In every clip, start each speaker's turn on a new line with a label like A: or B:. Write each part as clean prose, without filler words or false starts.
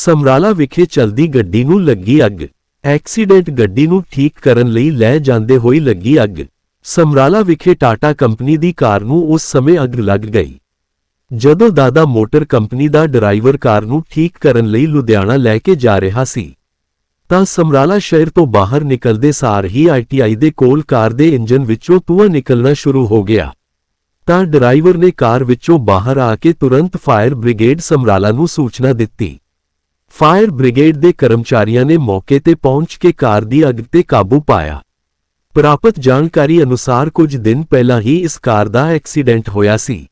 A: ਸਮਰਾਲਾ ਵਿਖੇ ਚਲਦੀ ਗੱਡੀ ਨੂੰ ਲੱਗੀ ਅੱਗ। ਐਕਸੀਡੈਂਟ ਗੱਡੀ ਨੂੰ ਠੀਕ ਕਰਨ ਲਈ ਲੈ ਜਾਂਦੇ ਹੋਈ ਲੱਗੀ ਅੱਗ। ਸਮਰਾਲਾ ਵਿਖੇ ਟਾਟਾ ਕੰਪਨੀ ਦੀ ਕਾਰ ਨੂੰ ਉਸ ਸਮੇਂ ਅੱਗ ਲੱਗ ਗਈ ਜਦੋਂ ਦਾਦਾ ਮੋਟਰ ਕੰਪਨੀ ਦਾ ਡਰਾਈਵਰ ਕਾਰ ਨੂੰ ਠੀਕ ਕਰਨ ਲਈ ਲੁਧਿਆਣਾ ਲੈ ਕੇ ਜਾ ਰਿਹਾ ਸੀ ਤਾਂ ਸਮਰਾਲਾ ਸ਼ਹਿਰ ਤੋਂ ਬਾਹਰ ਨਿਕਲਦੇ ਸਾਰ ਹੀ ਆਈਟੀਆਈ ਦੇ ਕੋਲ ਕਾਰ ਦੇ ਇੰਜਨ ਵਿੱਚੋਂ ਧੂੰਆਂ ਨਿਕਲਣਾ ਸ਼ੁਰੂ ਹੋ ਗਿਆ ਤਾਂ ਡਰਾਈਵਰ ਨੇ ਕਾਰ ਵਿੱਚੋਂ ਬਾਹਰ ਆ ਕੇ ਤੁਰੰਤ ਫਾਇਰ ਬ੍ਰਿਗੇਡ ਸਮਰਾਲਾ ਨੂੰ ਸੂਚਨਾ ਦਿੱਤੀ। ਫਾਇਰ ਬ੍ਰਿਗੇਡ ਦੇ ਕਰਮਚਾਰੀਆਂ ਨੇ ਮੌਕੇ ਤੇ ਪਹੁੰਚ ਕੇ ਕਾਰ ਦੀ ਅੱਗ ਤੇ ਕਾਬੂ ਪਾਇਆ। ਪ੍ਰਾਪਤ ਜਾਣਕਾਰੀ ਅਨੁਸਾਰ ਕੁਝ ਦਿਨ ਪਹਿਲਾਂ ਹੀ ਇਸ ਕਾਰ ਦਾ ਐਕਸੀਡੈਂਟ ਹੋਇਆ ਸੀ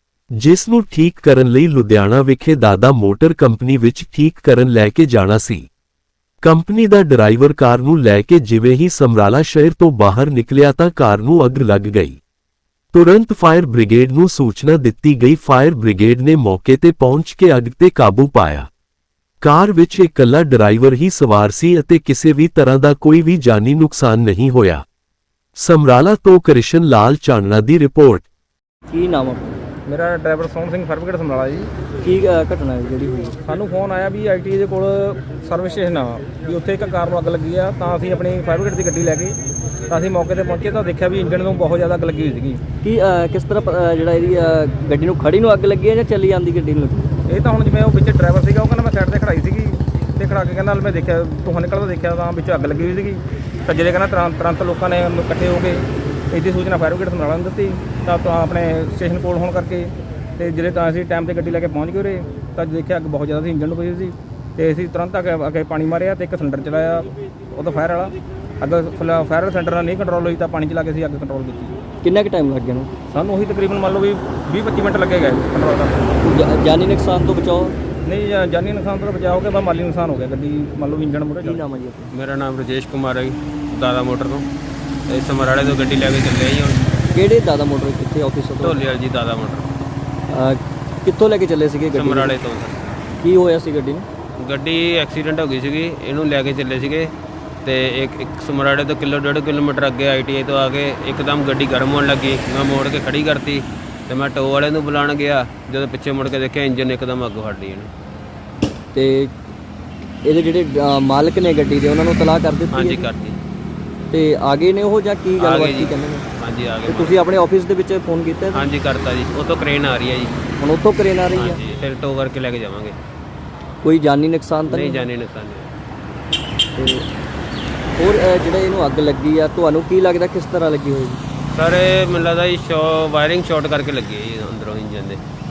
A: ਜਿਸ ਨੂੰ ਠੀਕ ਕਰਨ ਲਈ ਲੁਧਿਆਣਾ ਵਿਖੇ ਦਾਦਾ ਮੋਟਰ ਕੰਪਨੀ ਵਿੱਚ ਠੀਕ ਕਰਨ ਲੈ ਕੇ ਜਾਣਾ ਸੀ। ਕੰਪਨੀ ਦਾ ਡਰਾਈਵਰ ਕਾਰ ਨੂੰ ਲੈ ਕੇ ਜਿਵੇਂ ਹੀ ਸਮਰਾਲਾ ਸ਼ਹਿਰ ਤੋਂ ਬਾਹਰ ਨਿਕਲਿਆ ਤਾਂ ਕਾਰ ਨੂੰ ਅੱਗ ਲੱਗ ਗਈ। ਤੁਰੰਤ ਫਾਇਰ ਬ੍ਰਿਗੇਡ ਨੂੰ ਸੂਚਨਾ ਦਿੱਤੀ ਗਈ। ਫਾਇਰ ਬ੍ਰਿਗੇਡ ਨੇ ਮੌਕੇ ਤੇ ਪਹੁੰਚ ਕੇ ਅੱਗ ਤੇ ਕਾਬੂ ਪਾਇਆ। ਕਾਰ ਵਿੱਚ ਇਕੱਲਾ ਡਰਾਈਵਰ ਹੀ ਸਵਾਰ ਸੀ ਅਤੇ ਕਿਸੇ ਵੀ ਤਰ੍ਹਾਂ ਦਾ ਕੋਈ ਵੀ ਜਾਨੀ ਨੁਕਸਾਨ ਨਹੀਂ ਹੋਇਆ। ਸਮਰਾਲਾ ਤੋਂ ਕ੍ਰਿਸ਼ਨ ਲਾਲ ਚਾਨਣਾ ਦੀ ਰਿਪੋਰਟ।
B: ਕੀ ਨਾਮ ਆ?
C: ਮੇਰਾ driver Sohan Singh fire brigade Samrala ji.
B: ਕੀ ਘਟਨਾ ਹੈ ਜਿਹੜੀ ਹੋਈ?
C: ਸਾਨੂੰ ਫੋਨ ਆਇਆ ਵੀ ਆਈਟੀ ਦੇ ਕੋਲ ਸਰਵਿਸ ਸਟੇਸ਼ਨ ਆ ਵੀ ਉੱਥੇ ਇੱਕ ਕਾਰ ਨੂੰ ਅੱਗ ਲੱਗੀ ਆ ਤਾਂ ਅਸੀਂ ਆਪਣੀ ਫਾਇਰ ਬ੍ਰਿਗੇਡ ਦੀ ਗੱਡੀ ਲੈ ਕੇ ਤਾਂ ਅਸੀਂ ਮੌਕੇ ਤੇ ਪਹੁੰਚੇ ਤਾਂ ਦੇਖਿਆ ਵੀ ਇੰਜਣ ਨੂੰ ਬਹੁਤ ਜ਼ਿਆਦਾ ਅੱਗ ਲੱਗੀ ਹੋਈ ਸੀਗੀ।
B: ਕੀ ਕਿਸ ਤਰ੍ਹਾਂ ਜਿਹੜਾ ਇਹਦੀ ਗੱਡੀ ਨੂੰ ਖੜੀ ਨੂੰ ਅੱਗ ਲੱਗੀ ਹੈ ਜਾਂ ਚੱਲੀ ਜਾਂਦੀ ਗੱਡੀ ਨੂੰ ਲੱਗੀ?
C: ਇਹ ਤਾਂ ਹੁਣ ਜਿਵੇਂ ਉਹ ਵਿੱਚ ਡਰਾਈਵਰ ਸੀਗਾ ਉਹ ਕਹਿੰਦਾ ਮੈਂ ਸਾਈਡ ਤੇ ਖੜਾਈ ਸੀਗੀ ਤੇ ਖੜਾ ਕੇ ਕਹਿੰਦਾ ਮੈਂ ਦੇਖਿਆ ਧੂੰਆਂ ਨਿਕਲਦਾ ਦੇਖਿਆ ਤਾਂ ਵਿੱਚ ਅੱਗ ਲੱਗੀ ਹੋਈ ਸੀਗੀ ਤਾਂ ਜਿਹੜੇ ਕਹਿੰਦਾ ਤੁਰੰਤ ਲੋਕਾਂ ਨੇ ਇਕੱਠੇ ਹੋ ਕੇ ਇਹਦੀ ਸੂਚਨਾ ਫਾਇਰ ਬ੍ਰਿਗੇਡ ਸਮਰਾਲਾ ਨੂੰ ਦਿੱਤੀ ਤਾਂ ਆਪਣੇ ਸਟੇਸ਼ਨ ਕੋਲ ਹੋਣ ਕਰਕੇ ਤੇ ਜਿਹੜੇ ਤਾਂ ਅਸੀਂ ਟਾਈਮ ਤੇ ਗੱਡੀ ਲੈ ਕੇ ਪਹੁੰਚ ਗਏ ਉਰੇ ਤਾਂ ਦੇਖਿਆ ਅੱਗ ਬਹੁਤ ਜ਼ਿਆਦਾ ਸੀ ਇੰਜਣ ਨੂੰ ਪਈ ਸੀ ਤੇ ਅਸੀਂ ਤੁਰੰਤ ਅੱਗੇ ਪਾਣੀ ਮਾਰਿਆ ਤੇ ਇੱਕ ਸਿਲੰਡਰ ਚਲਾਇਆ ਉਹਦਾ ਫਾਇਰ ਵਾਲਾ ਅੱਗ ਫਾਇਰ ਸਿਲੰਡਰ ਨਾਲ ਨਹੀਂ ਕੰਟਰੋਲ ਹੋਈ ਤਾਂ ਪਾਣੀ ਚਲਾ ਕੇ ਅਸੀਂ ਅੱਗ ਕੰਟਰੋਲ ਕੀਤੀ।
B: ਕਿੰਨਾ ਕੁ ਟਾਈਮ ਲੱਗ ਗਿਆ ਨੂੰ?
C: ਸਾਨੂੰ ਉਹੀ ਤਕਰੀਬਨ ਮੰਨ ਲਓ ਵੀ 20-25 ਮਿੰਟ ਲੱਗੇ ਗਏ ਕੰਟਰੋਲ ਕਰਨ।
B: ਜਾਨੀ ਨੁਕਸਾਨ ਤੋਂ ਬਚਾਓ?
C: ਨਹੀਂ ਜਾਨੀ ਨੁਕਸਾਨ ਤੋਂ ਬਚਾਅ ਹੋ ਗਿਆ ਬਸ ਮਾਲੀ ਨੁਕਸਾਨ ਹੋ ਗਿਆ ਗੱਡੀ ਮੰਨ ਲਓ ਇੰਜਣ ਮੂਹਰੇ।
B: ਕੀ ਨਾਮ ਹੈ ਜੀ ਆਪਣਾ?
D: ਮੇਰਾ ਨਾਮ ਰਜੇਸ਼ ਕੁਮਾਰ ਹੈ ਜੀ, ਦਾਦਾ ਮੋਟਰ ਤੋਂ। ਇਹ ਸਮਰਾਲੇ ਤੋਂ ਗੱਡੀ ਲੈ ਕੇ ਚੱਲੇ ਜੀ ਹੁਣ।
B: ਕਿਹੜੇ ਦਾਦਾ ਮੋਟਰ ਕਿੱਥੇ ਆਫਿਸ ਤੋਂ?
D: ਢੋਲੇ ਵਾਲੀ ਜੀ ਦਾਦਾ ਮੋਟਰ।
B: ਕਿੱਥੋਂ ਲੈ ਕੇ ਚੱਲੇ ਸੀਗੇ ਗੱਡੀ?
D: ਸਮਰਾਲੇ ਤੋਂ।
B: ਕੀ ਹੋਇਆ ਸੀ ਗੱਡੀ ਨੂੰ?
D: ਗੱਡੀ ਐਕਸੀਡੈਂਟ ਹੋ ਗਈ ਸੀਗੀ, ਇਹਨੂੰ ਲੈ ਕੇ ਚੱਲੇ ਸੀਗੇ ਤੇ ਇੱਕ ਸਮਰਾਲੇ ਤੋਂ 1.5 ਕਿਲੋਮੀਟਰ ਅੱਗੇ ਆਈਟੀਆਈ ਤੋਂ ਆ ਕੇ ਇੱਕਦਮ ਗੱਡੀ ਗਰਮ ਹੋਣ ਲੱਗੀ। ਮੈਂ ਮੋੜ ਕੇ ਖੜੀ ਕਰਤੀ ਤੇ ਮੈਂ ਟੋ ਵਾਲੇ ਨੂੰ ਬੁਲਾਉਣ ਗਿਆ, ਜਦੋਂ ਪਿੱਛੇ ਮੁੜ ਕੇ ਦੇਖਿਆ ਇੰਜਨ ਇੱਕਦਮ ਅੱਗ ਫੜ ਲਈ ਇਹਨੂੰ।
B: ਤੇ ਇਹਦੇ ਜਿਹੜੇ ਮਾਲਕ ਨੇ ਗੱਡੀ ਦੇ ਉਹਨਾਂ ਨੂੰ ਤਲਾਹ ਕਰ ਦਿੱਤੀ?
D: ਹਾਂਜੀ ਕਰਤੀ।
B: ਤੇ ਆ ਗਏ ਨੇ ਉਹ ਜਾਂ ਕੀ ਗੱਲਬਾਤ ਕੀ ਕਹਿੰਦੇ ਨੇ?
D: ਹਾਂਜੀ ਆ
B: ਤੇ
D: ਗਏ।
B: ਤੁਸੀਂ ਆਪਣੇ ਆਫਿਸ ਦੇ ਵਿੱਚ ਫੋਨ ਕੀਤਾ?
D: ਹਾਂਜੀ ਕਰਤਾ ਜੀ, ਉਹ ਤੋਂ ਕਰੇਨ ਆ ਰਹੀ ਹੈ ਜੀ।
B: ਹੁਣ ਉੱਥੋਂ ਕਰੇਨ ਆ ਰਹੀ ਹੈ?
D: ਹਾਂਜੀ ਫਿਰ ਟੋ ਕਰਕੇ ਲੈ ਕੇ ਜਾਵਾਂਗੇ।
B: ਕੋਈ ਜਾਨੀ ਨੁਕਸਾਨ ਤਾਂ
D: ਨਹੀਂ
B: ਨਹੀਂ?
D: ਜਾਨੀ ਨੁਕਸਾਨ ਨਹੀਂ।
B: ਤੇ ਹੋਰ ਜਿਹੜਾ ਇਹਨੂੰ ਅੱਗ ਲੱਗੀ ਆ ਤੁਹਾਨੂੰ ਕੀ ਲੱਗਦਾ ਕਿਸ ਤਰ੍ਹਾਂ ਲੱਗੀ ਹੋਏਗੀ?
D: ਸਰ ਇਹ ਮੈਨੂੰ ਲੱਗਦਾ ਜੀ ਵਾਇਰਿੰਗ ਸ਼ਾਰਟ ਕਰਕੇ ਲੱਗੀ ਹੈ ਜੀ ਅੰਦਰੋਂ ਇੰਜਨ ਦੇ।